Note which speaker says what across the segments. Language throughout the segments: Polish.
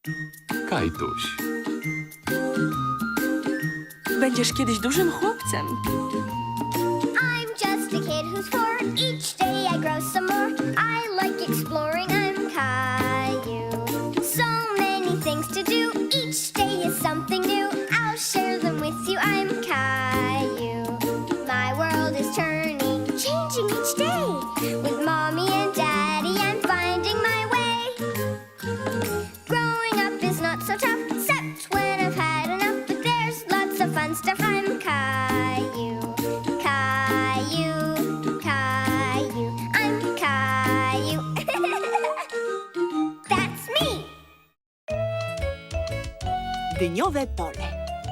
Speaker 1: Kajtuś.
Speaker 2: Będziesz kiedyś dużym chłopcem.
Speaker 3: I'm just a kid who's 4. Each day I grow some more. I like exploring. I'm Caillou. So many things to do. Each day is something new. I'll share them with you. I'm Caillou. My world is turning, changing each day. With mommy and daddy, I'm finding my way. Growing up is not so tough, except when I've had enough. But there's lots of fun stuff. I'm Caillou. Caillou, Caillou, I'm Caillou. That's me.
Speaker 4: Dyniowe pole.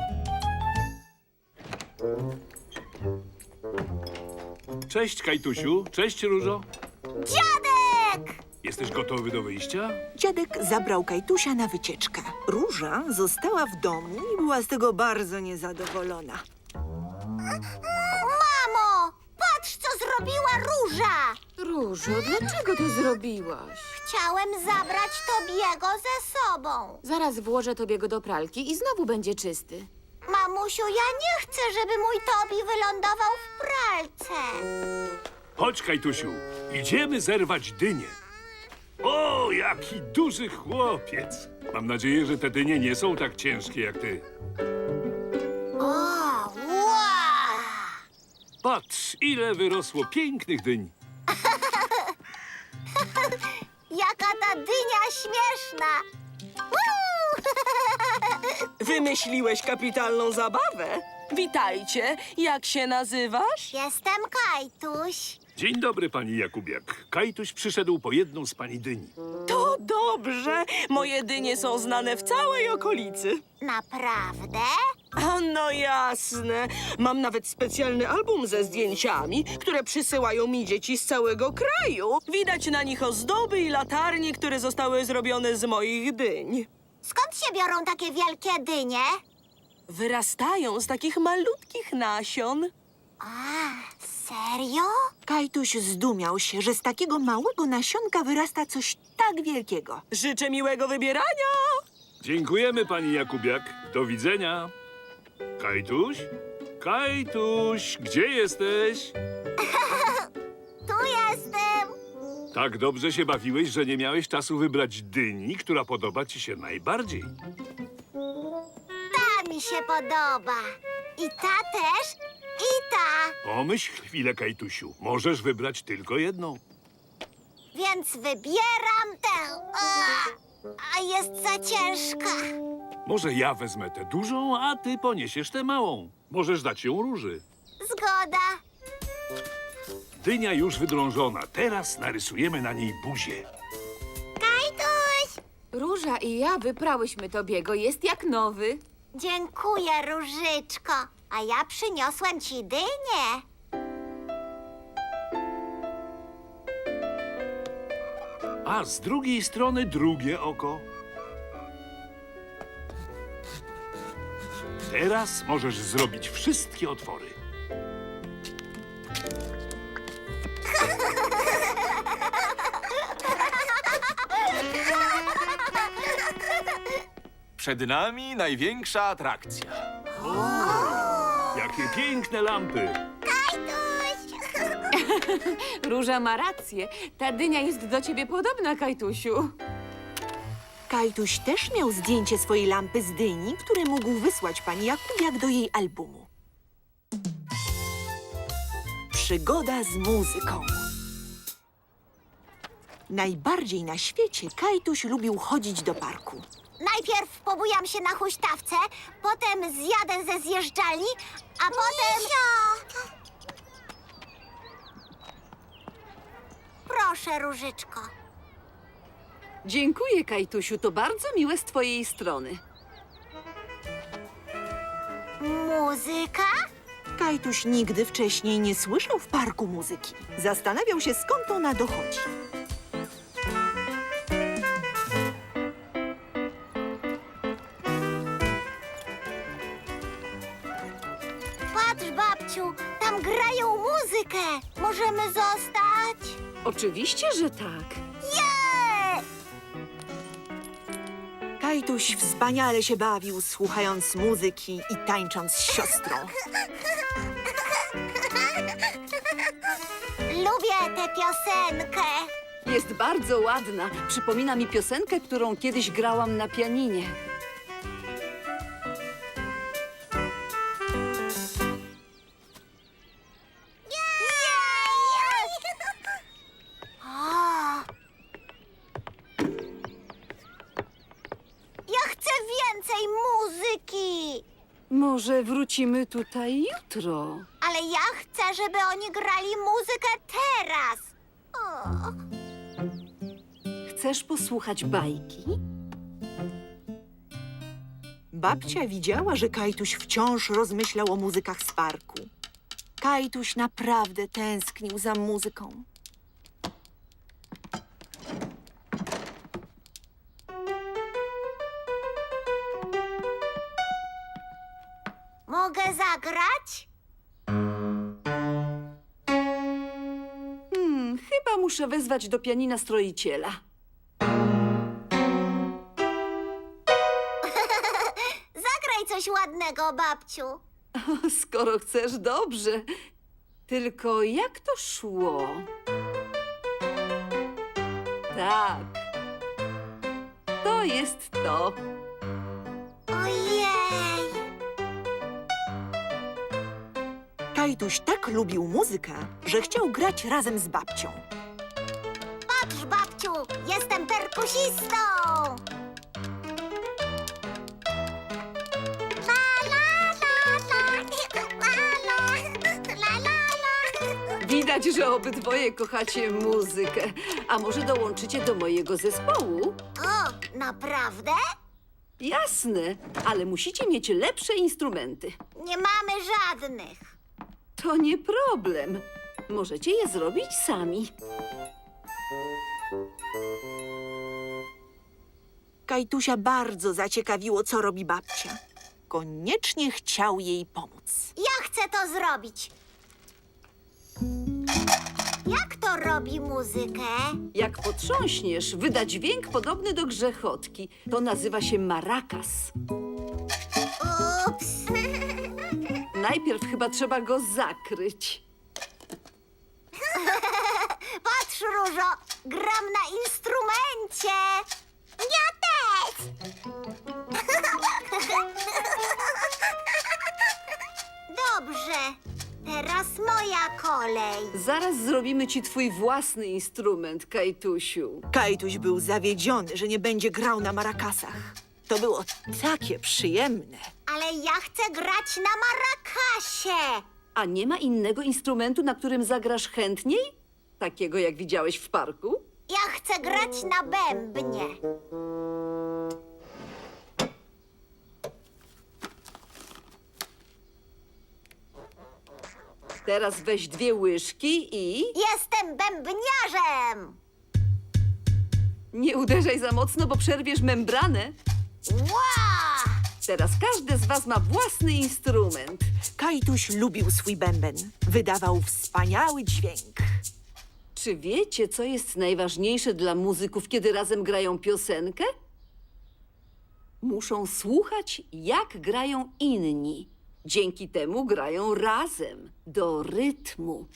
Speaker 1: Cześć, Kajtusiu. Cześć, Różo.
Speaker 3: Dziadek!
Speaker 1: Jesteś gotowy do wyjścia?
Speaker 4: Dziadek zabrał Kajtusia na wycieczkę. Róża została w domu i była z tego bardzo niezadowolona.
Speaker 3: Mamo, patrz, co zrobiła Róża!
Speaker 5: Różo, dlaczego to zrobiłaś?
Speaker 3: Chciałem zabrać Tobiego ze sobą.
Speaker 5: Zaraz włożę tobie go do pralki i znowu będzie czysty.
Speaker 3: Mamusiu, ja nie chcę, żeby mój Tobi wylądował w pralce.
Speaker 1: Chodź, Kajtusiu. Idziemy zerwać dynię. O, jaki duży chłopiec. Mam nadzieję, że te dynie nie są tak ciężkie jak ty.
Speaker 3: O, wow!
Speaker 1: Patrz, ile wyrosło pięknych dyń.
Speaker 3: Jaka ta dynia śmieszna!
Speaker 2: Wymyśliłeś kapitalną zabawę. Witajcie. Jak się nazywasz?
Speaker 3: Jestem Kajtuś.
Speaker 1: Dzień dobry, pani Jakubiak. Kajtuś przyszedł po jedną z pani dyni.
Speaker 2: To dobrze. Moje dynie są znane w całej okolicy.
Speaker 3: Naprawdę?
Speaker 2: A no jasne. Mam nawet specjalny album ze zdjęciami, które przysyłają mi dzieci z całego kraju. Widać na nich ozdoby i latarnie, które zostały zrobione z moich dyń.
Speaker 3: Skąd się biorą takie wielkie dynie?
Speaker 2: Wyrastają z takich malutkich nasion.
Speaker 3: A, serio?
Speaker 4: Kajtuś zdumiał się, że z takiego małego nasionka wyrasta coś tak wielkiego.
Speaker 2: Życzę miłego wybierania.
Speaker 1: Dziękujemy, pani Jakubiak. Do widzenia. Kajtuś? Kajtuś, gdzie jesteś?
Speaker 3: Tu jestem.
Speaker 1: Tak dobrze się bawiłeś, że nie miałeś czasu wybrać dyni, która podoba ci się najbardziej.
Speaker 3: Ta mi się podoba. I ta też, i ta.
Speaker 1: Pomyśl chwilę, Kajtusiu. Możesz wybrać tylko jedną.
Speaker 3: Więc wybieram tę. A jest za ciężka.
Speaker 1: Może ja wezmę tę dużą, a ty poniesiesz tę małą. Możesz dać ją Róży.
Speaker 3: Zgoda.
Speaker 1: Dynia już wydrążona. Teraz narysujemy na niej buzię.
Speaker 3: Kajtuś!
Speaker 5: Róża i ja wyprałyśmy Tobiego, jest jak nowy.
Speaker 3: Dziękuję, Różyczko. A ja przyniosłem ci dynię.
Speaker 1: A z drugiej strony drugie oko. Teraz możesz zrobić wszystkie otwory.
Speaker 6: Przed nami największa atrakcja.
Speaker 1: Jakie piękne lampy!
Speaker 3: Kajtuś!
Speaker 5: Róża ma rację. Ta dynia jest do ciebie podobna, Kajtusiu.
Speaker 4: Kajtuś też miał zdjęcie swojej lampy z dyni, które mógł wysłać pani Jakubiak do jej albumu. Przygoda z muzyką. Najbardziej na świecie Kajtuś lubił chodzić do parku.
Speaker 3: Najpierw pobujam się na huśtawce, potem zjadę ze zjeżdżalni, a potem... Proszę, Różyczko.
Speaker 7: Dziękuję, Kajtusiu. To bardzo miłe z twojej strony.
Speaker 3: Muzyka?
Speaker 4: Kajtuś nigdy wcześniej nie słyszał w parku muzyki. Zastanawiał się, skąd ona dochodzi.
Speaker 3: Patrz, babciu, tam grają muzykę. Możemy zostać?
Speaker 7: Oczywiście, że tak.
Speaker 3: Jej!
Speaker 4: Kajtuś wspaniale się bawił, słuchając muzyki i tańcząc z siostrą.
Speaker 3: Lubię tę piosenkę.
Speaker 7: Jest bardzo ładna. Przypomina mi piosenkę, którą kiedyś grałam na pianinie.
Speaker 3: Ja chcę więcej muzyki.
Speaker 7: Może wrócimy tutaj jutro?
Speaker 3: Ale ja chcę, żeby oni grali muzykę teraz.
Speaker 7: Chcesz posłuchać bajki?
Speaker 4: Babcia widziała, że Kajtuś wciąż rozmyślał o muzykach z parku. Kajtuś naprawdę tęsknił za muzyką.
Speaker 3: Mogę zagrać?
Speaker 7: Chyba muszę wezwać do pianina stroiciela.
Speaker 3: Zagraj coś ładnego, babciu.
Speaker 7: Skoro chcesz, dobrze. Tylko jak to szło? Tak. To jest to.
Speaker 3: Ojej.
Speaker 4: Kajtuś tak lubił muzykę, że chciał grać razem z babcią.
Speaker 3: Patrz, babciu, jestem perkusistą. La, la, la, la, la, la, la, la.
Speaker 7: Widać, że obydwoje kochacie muzykę. A może dołączycie do mojego zespołu?
Speaker 3: O, naprawdę?
Speaker 7: Jasne, ale musicie mieć lepsze instrumenty.
Speaker 3: Nie mamy żadnych.
Speaker 7: To nie problem. Możecie je zrobić sami.
Speaker 4: Kajtusia bardzo zaciekawiło, co robi babcia. Koniecznie chciał jej pomóc.
Speaker 3: Ja chcę to zrobić. Jak to robi muzykę?
Speaker 7: Jak potrząśniesz, wyda dźwięk podobny do grzechotki. To nazywa się marakas.
Speaker 3: Ups.
Speaker 7: Najpierw chyba trzeba go zakryć.
Speaker 3: Patrz, Różo, gram na instrumencie. Ja też. Dobrze, teraz moja kolej.
Speaker 7: Zaraz zrobimy ci twój własny instrument, Kajtusiu.
Speaker 4: Kajtuś był zawiedziony, że nie będzie grał na marakasach. To było takie przyjemne.
Speaker 3: Ale ja chcę grać na marakasie.
Speaker 7: A nie ma innego instrumentu, na którym zagrasz chętniej? Takiego, jak widziałeś w parku?
Speaker 3: Ja chcę grać na bębnie.
Speaker 7: Teraz weź 2 łyżki i...
Speaker 3: Jestem bębniarzem.
Speaker 7: Nie uderzaj za mocno, bo przerwiesz membranę.
Speaker 3: Ła!
Speaker 7: Teraz każdy z was ma własny instrument.
Speaker 4: Kajtuś lubił swój bęben. Wydawał wspaniały dźwięk.
Speaker 7: Czy wiecie, co jest najważniejsze dla muzyków, kiedy razem grają piosenkę? Muszą słuchać, jak grają inni. Dzięki temu grają razem, do rytmu.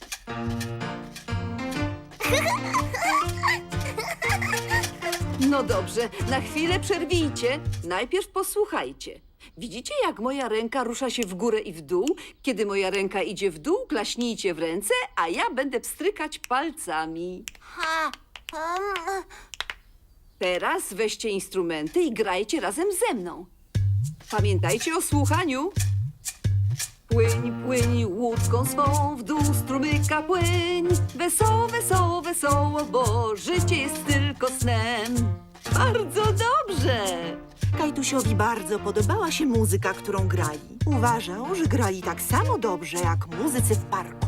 Speaker 7: No dobrze, na chwilę przerwijcie. Najpierw posłuchajcie. Widzicie, jak moja ręka rusza się w górę i w dół? Kiedy moja ręka idzie w dół, klaśnijcie w ręce, a ja będę pstrykać palcami.
Speaker 3: Ha,
Speaker 7: Teraz weźcie instrumenty i grajcie razem ze mną. Pamiętajcie o słuchaniu. Płyń, płyń łódką swą, w dół strumyka płyń. Wesoło, wesoło, wesoło, bo życie jest tylko snem. Bardzo dobrze!
Speaker 4: Kajtusiowi bardzo podobała się muzyka, którą grali. Uważał, że grali tak samo dobrze jak muzycy w parku.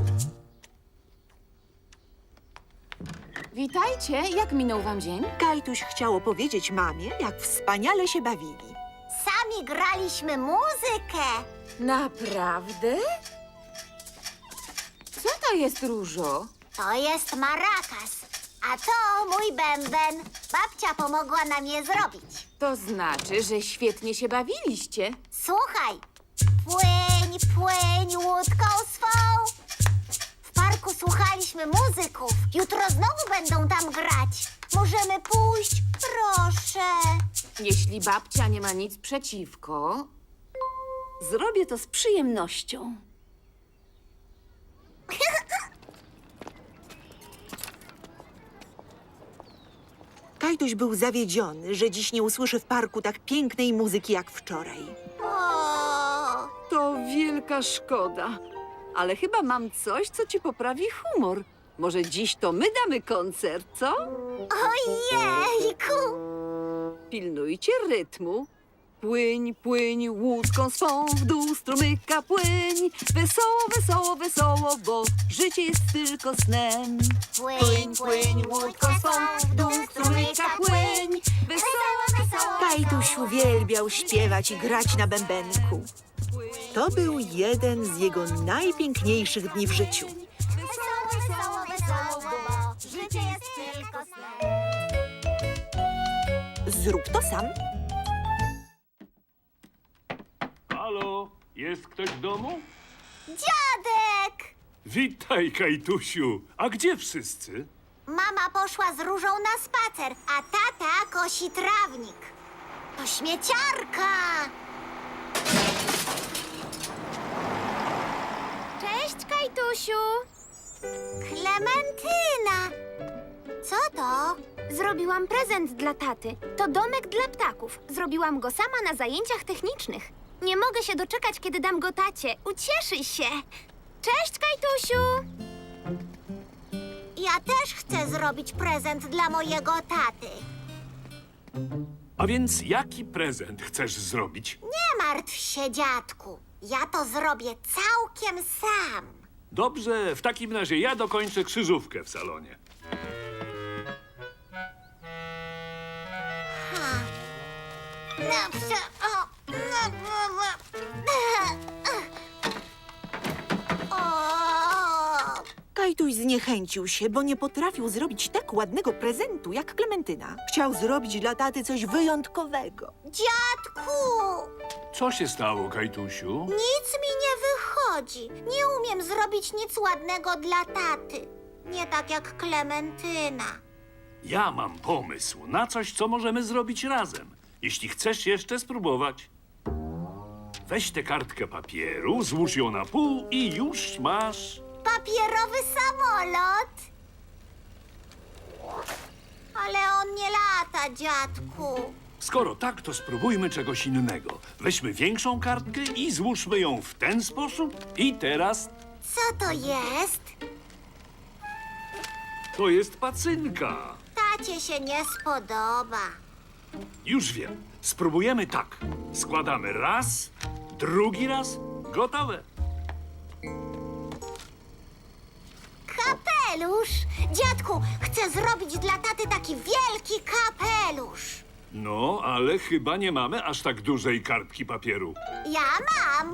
Speaker 5: Witajcie, jak minął wam dzień?
Speaker 4: Kajtuś chciał opowiedzieć mamie, jak wspaniale się bawili.
Speaker 3: sami graliśmy muzykę.
Speaker 5: Naprawdę? Co to jest, Różo?
Speaker 3: To jest marakas, a to mój bęben. Babcia pomogła nam je zrobić.
Speaker 5: To znaczy, że świetnie się bawiliście.
Speaker 3: Słuchaj, płyń, płyń łódką swą. W parku słuchaliśmy muzyków. Jutro znowu będą tam grać. Możemy pójść? Proszę.
Speaker 5: Jeśli babcia nie ma nic przeciwko,
Speaker 7: Zrobię to z przyjemnością.
Speaker 4: Kajtuś był zawiedziony, że dziś nie usłyszy w parku tak pięknej muzyki jak wczoraj.
Speaker 3: O,
Speaker 7: To wielka szkoda. Ale chyba mam coś, co ci poprawi humor. Może dziś to my damy koncert, co?
Speaker 3: ojejku.
Speaker 7: Pilnujcie rytmu. Płyń, płyń łódką swą, w dół strumyka płyń. Wesoło, wesoło, wesoło, bo życie jest tylko snem.
Speaker 3: Płyń, płyń łódką swą, w dół strumyka płyń. Wesoło, wesoło.
Speaker 4: Kajtuś uwielbiał śpiewać i grać na bębenku. To był jeden z jego najpiękniejszych dni w życiu.
Speaker 3: Wesoło, wesoło, wesoło, bo życie jest tylko snem.
Speaker 4: Zrób to sam.
Speaker 1: Halo, jest ktoś w domu?
Speaker 3: Dziadek!
Speaker 1: Witaj, Kajtusiu. A gdzie wszyscy?
Speaker 3: Mama poszła z Różą na spacer, a tata kosi trawnik. To śmieciarka! Cześć, Kajtusiu! Klementyna! Co to?
Speaker 8: Zrobiłam prezent dla taty. To domek dla ptaków. Zrobiłam go sama na zajęciach technicznych. Nie mogę się doczekać, kiedy dam go tacie. Ucieszy się. Cześć, Kajtusiu!
Speaker 3: Ja też chcę zrobić prezent dla mojego taty.
Speaker 1: A więc jaki prezent chcesz zrobić?
Speaker 3: Nie martw się, dziadku. Ja to zrobię całkiem sam.
Speaker 1: Dobrze, w takim razie ja dokończę krzyżówkę w salonie.
Speaker 3: O,
Speaker 4: Kajtuś zniechęcił się, bo nie potrafił zrobić tak ładnego prezentu jak Klementyna. Chciał zrobić dla taty coś wyjątkowego.
Speaker 3: dziadku!
Speaker 1: Co się stało, Kajtusiu?
Speaker 3: Nic mi nie wychodzi. Nie umiem zrobić nic ładnego dla taty. Nie tak jak Klementyna.
Speaker 1: Ja mam pomysł na coś, co możemy zrobić razem. Jeśli chcesz jeszcze spróbować. Weź tę kartkę papieru, złóż ją na pół i już masz...
Speaker 3: Papierowy samolot. Ale on nie lata, dziadku.
Speaker 1: Skoro tak, to spróbujmy czegoś innego. Weźmy większą kartkę i złóżmy ją w ten sposób. I teraz
Speaker 3: Co to jest?
Speaker 1: to jest pacynka.
Speaker 3: Tacie się nie spodoba.
Speaker 1: Już wiem. Spróbujemy tak. Składamy raz, drugi raz. Gotowe.
Speaker 3: Kapelusz! Dziadku, chcę zrobić dla taty taki wielki kapelusz.
Speaker 1: No, ale chyba nie mamy aż tak dużej kartki papieru.
Speaker 3: Ja mam.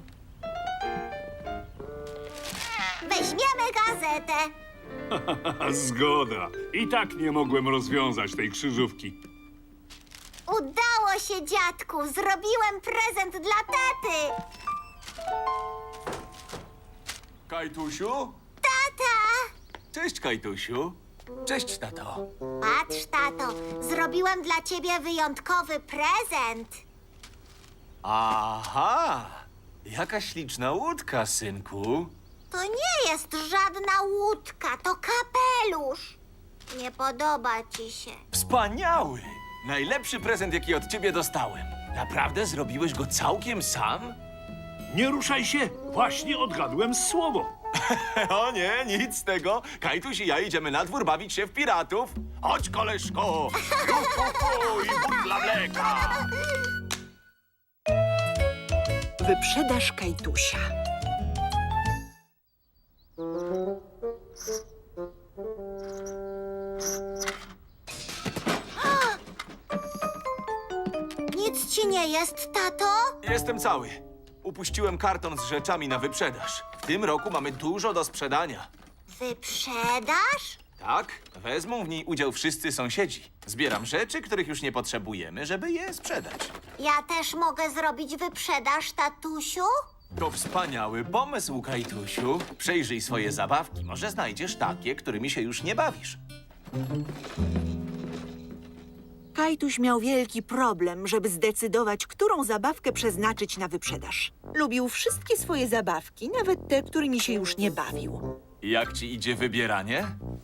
Speaker 3: Weźmiemy gazetę.
Speaker 1: Zgoda. I tak nie mogłem rozwiązać tej krzyżówki.
Speaker 3: Udało się, dziadku. Zrobiłem prezent dla taty.
Speaker 6: Kajtusiu?
Speaker 3: Tata!
Speaker 6: Cześć, Kajtusiu. Cześć, tato.
Speaker 3: Patrz, tato. Zrobiłem dla ciebie wyjątkowy prezent.
Speaker 6: Aha! Jaka śliczna łódka, synku.
Speaker 3: To nie jest żadna łódka, to kapelusz. Nie podoba ci się.
Speaker 6: Wspaniały! Najlepszy prezent, jaki od ciebie dostałem. Naprawdę zrobiłeś go całkiem sam?
Speaker 1: Nie ruszaj się. Właśnie odgadłem słowo.
Speaker 6: O nie, nic z tego. Kajtuś i ja idziemy na dwór bawić się w piratów. Chodź, koleżko! I butla mleka!
Speaker 4: Wyprzedaż Kajtusia.
Speaker 3: Nic ci nie jest, tato?
Speaker 6: Jestem cały. Upuściłem karton z rzeczami na wyprzedaż. W tym roku mamy dużo do sprzedania.
Speaker 3: Wyprzedaż?
Speaker 6: Tak, wezmą w niej udział wszyscy sąsiedzi. Zbieram rzeczy, których już nie potrzebujemy, żeby je sprzedać.
Speaker 3: Ja też mogę zrobić wyprzedaż, tatusiu?
Speaker 6: To wspaniały pomysł, Kajtusiu. Przejrzyj swoje zabawki. Może znajdziesz takie, którymi się już nie bawisz.
Speaker 4: Kajtuś miał wielki problem, żeby zdecydować, którą zabawkę przeznaczyć na wyprzedaż. Lubił wszystkie swoje zabawki, nawet te, którymi się już nie bawił.
Speaker 6: Jak ci idzie wybieranie?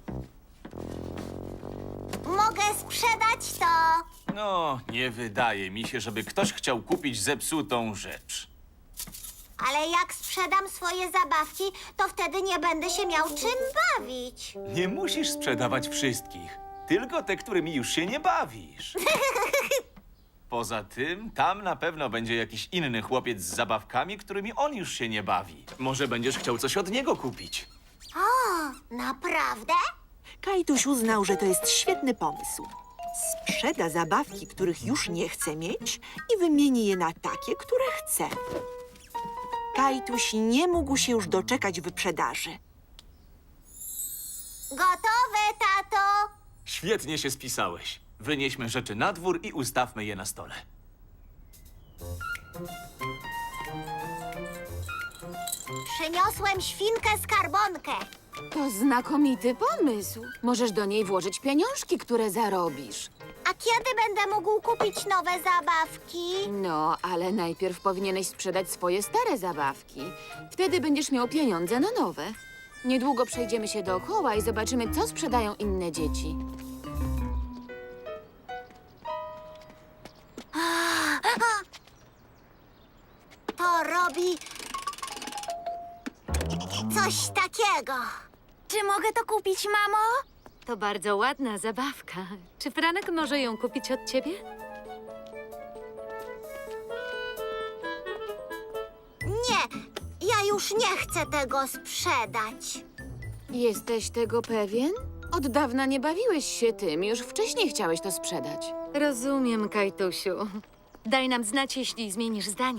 Speaker 3: Mogę sprzedać to.
Speaker 6: No, nie wydaje mi się, żeby ktoś chciał kupić zepsutą rzecz.
Speaker 3: Ale jak sprzedam swoje zabawki, to wtedy nie będę się miał czym bawić.
Speaker 6: Nie musisz sprzedawać wszystkich, tylko te, którymi już się nie bawisz. Poza tym, tam na pewno będzie jakiś inny chłopiec z zabawkami, którymi on już się nie bawi. Może będziesz chciał coś od niego kupić.
Speaker 3: O, naprawdę?
Speaker 4: Kajtuś uznał, że to jest świetny pomysł. Sprzeda zabawki, których już nie chce mieć i wymieni je na takie, które chce. Kajtuś nie mógł się już doczekać wyprzedaży.
Speaker 3: Gotowe, tato.
Speaker 6: Świetnie się spisałeś. Wynieśmy rzeczy na dwór i ustawmy je na stole.
Speaker 3: Przyniosłem świnkę skarbonkę.
Speaker 5: To znakomity pomysł. Możesz do niej włożyć pieniążki, które zarobisz.
Speaker 3: A kiedy będę mógł kupić nowe zabawki?
Speaker 5: No, ale najpierw powinieneś sprzedać swoje stare zabawki. Wtedy będziesz miał pieniądze na nowe. Niedługo przejdziemy się dookoła i zobaczymy, co sprzedają inne dzieci.
Speaker 3: To robi coś takiego. Czy mogę to kupić, mamo?
Speaker 9: To bardzo ładna zabawka. Czy Franek może ją kupić od ciebie?
Speaker 3: Nie, ja już nie chcę tego sprzedać.
Speaker 5: Jesteś tego pewien? Od dawna nie bawiłeś się tym, już wcześniej chciałeś to sprzedać.
Speaker 9: Rozumiem, Kajtusiu. Daj nam znać, jeśli zmienisz zdanie.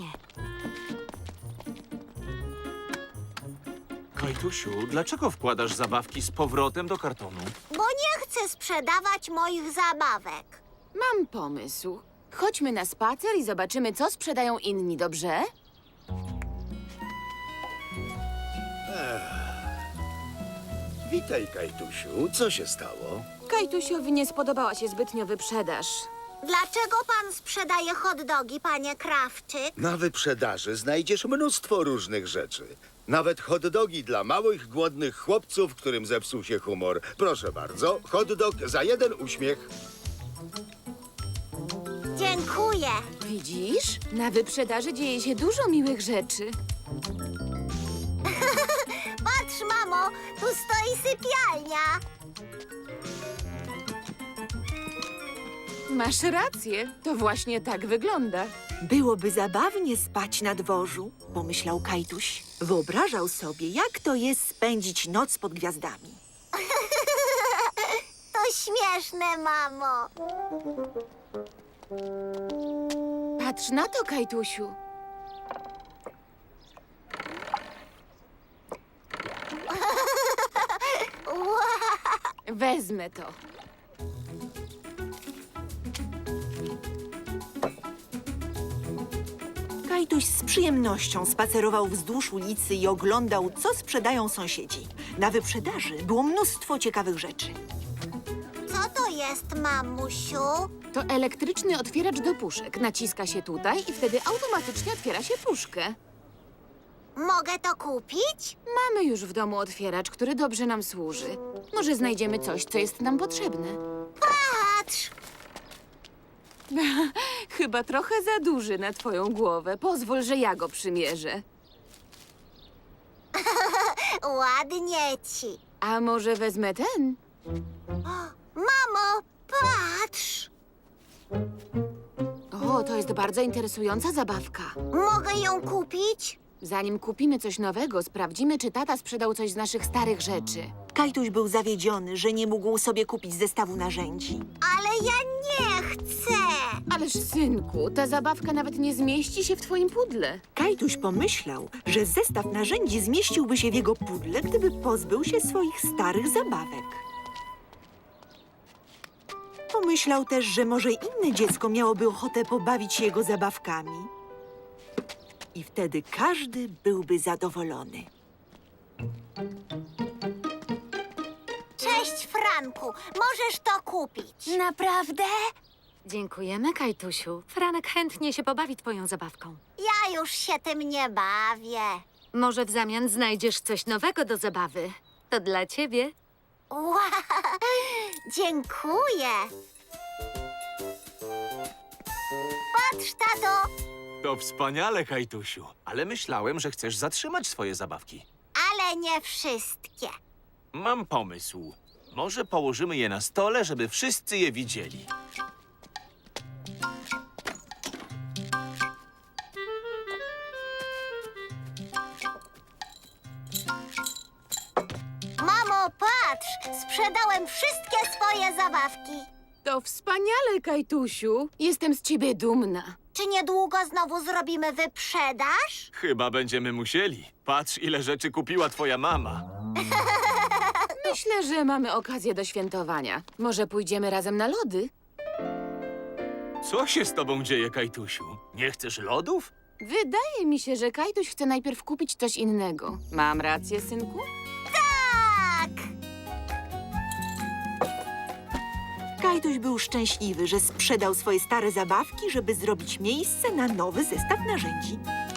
Speaker 6: Kajtusiu, dlaczego wkładasz zabawki z powrotem do kartonu?
Speaker 3: Bo nie chcę sprzedawać moich zabawek.
Speaker 5: Mam pomysł. Chodźmy na spacer i zobaczymy, co sprzedają inni, dobrze?
Speaker 10: Witaj, Kajtusiu. Co się stało?
Speaker 5: Kajtusiowi nie spodobała się zbytnio wyprzedaż.
Speaker 3: Dlaczego pan sprzedaje hot dogi, panie Krawczyk?
Speaker 10: Na wyprzedaży znajdziesz mnóstwo różnych rzeczy. Nawet hot dogi dla małych, głodnych chłopców, którym zepsuł się humor. Proszę bardzo, hot dog za jeden uśmiech.
Speaker 3: Dziękuję.
Speaker 5: Widzisz? Na wyprzedaży dzieje się dużo miłych rzeczy.
Speaker 3: Patrz, mamo, tu stoi sypialnia.
Speaker 5: Masz rację, to właśnie tak wygląda.
Speaker 4: Byłoby zabawnie spać na dworzu, pomyślał Kajtuś. Wyobrażał sobie, jak to jest spędzić noc pod gwiazdami.
Speaker 3: To śmieszne, mamo.
Speaker 5: Patrz na to, Kajtusiu. Wezmę to.
Speaker 4: Kajtuś z przyjemnością spacerował wzdłuż ulicy i oglądał, co sprzedają sąsiedzi. Na wyprzedaży było mnóstwo ciekawych rzeczy.
Speaker 3: Co to jest, mamusiu?
Speaker 5: To elektryczny otwieracz do puszek. Naciska się tutaj i wtedy automatycznie otwiera się puszkę.
Speaker 3: Mogę to kupić?
Speaker 5: Mamy już w domu otwieracz, który dobrze nam służy. Może znajdziemy coś, co jest nam potrzebne.
Speaker 3: Patrz!
Speaker 5: Chyba trochę za duży na twoją głowę. Pozwól, że ja go przymierzę.
Speaker 3: Ładnie ci.
Speaker 5: A może wezmę ten?
Speaker 3: Mamo, patrz!
Speaker 5: O, to jest bardzo interesująca zabawka.
Speaker 3: Mogę ją kupić?
Speaker 5: Zanim kupimy coś nowego, sprawdzimy, czy tata sprzedał coś z naszych starych rzeczy.
Speaker 4: Kajtuś był zawiedziony, że nie mógł sobie kupić zestawu narzędzi.
Speaker 3: Ale ja nie chcę!
Speaker 5: Ależ, synku, ta zabawka nawet nie zmieści się w twoim pudle.
Speaker 4: Kajtuś pomyślał, że zestaw narzędzi zmieściłby się w jego pudle, gdyby pozbył się swoich starych zabawek. Pomyślał też, że może inne dziecko miałoby ochotę pobawić się jego zabawkami. I wtedy każdy byłby zadowolony.
Speaker 8: Cześć, Franku. Możesz to kupić. Naprawdę?
Speaker 9: Dziękujemy, Kajtusiu. Franek chętnie się pobawi twoją zabawką.
Speaker 8: Ja już się tym nie bawię.
Speaker 9: Może w zamian znajdziesz coś nowego do zabawy. To dla ciebie.
Speaker 8: Wow, dziękuję. Patrz, tato.
Speaker 6: To wspaniale, Kajtusiu. Ale myślałem, że chcesz zatrzymać swoje zabawki.
Speaker 8: Ale nie wszystkie.
Speaker 6: Mam pomysł. Może położymy je na stole, żeby wszyscy je widzieli.
Speaker 8: Mamo, patrz. Sprzedałem wszystkie swoje zabawki.
Speaker 5: To wspaniale, Kajtusiu. Jestem z ciebie dumna.
Speaker 8: Czy niedługo znowu zrobimy wyprzedaż?
Speaker 6: Chyba będziemy musieli. Patrz, ile rzeczy kupiła twoja mama.
Speaker 5: Myślę, że mamy okazję do świętowania. Może pójdziemy razem na lody?
Speaker 6: Co się z tobą dzieje, Kajtusiu? Nie chcesz lodów?
Speaker 5: Wydaje mi się, że Kajtuś chce najpierw kupić coś innego. Mam rację, synku?
Speaker 8: Tak!
Speaker 4: Kajtuś był szczęśliwy, że sprzedał swoje stare zabawki, żeby zrobić miejsce na nowy zestaw narzędzi.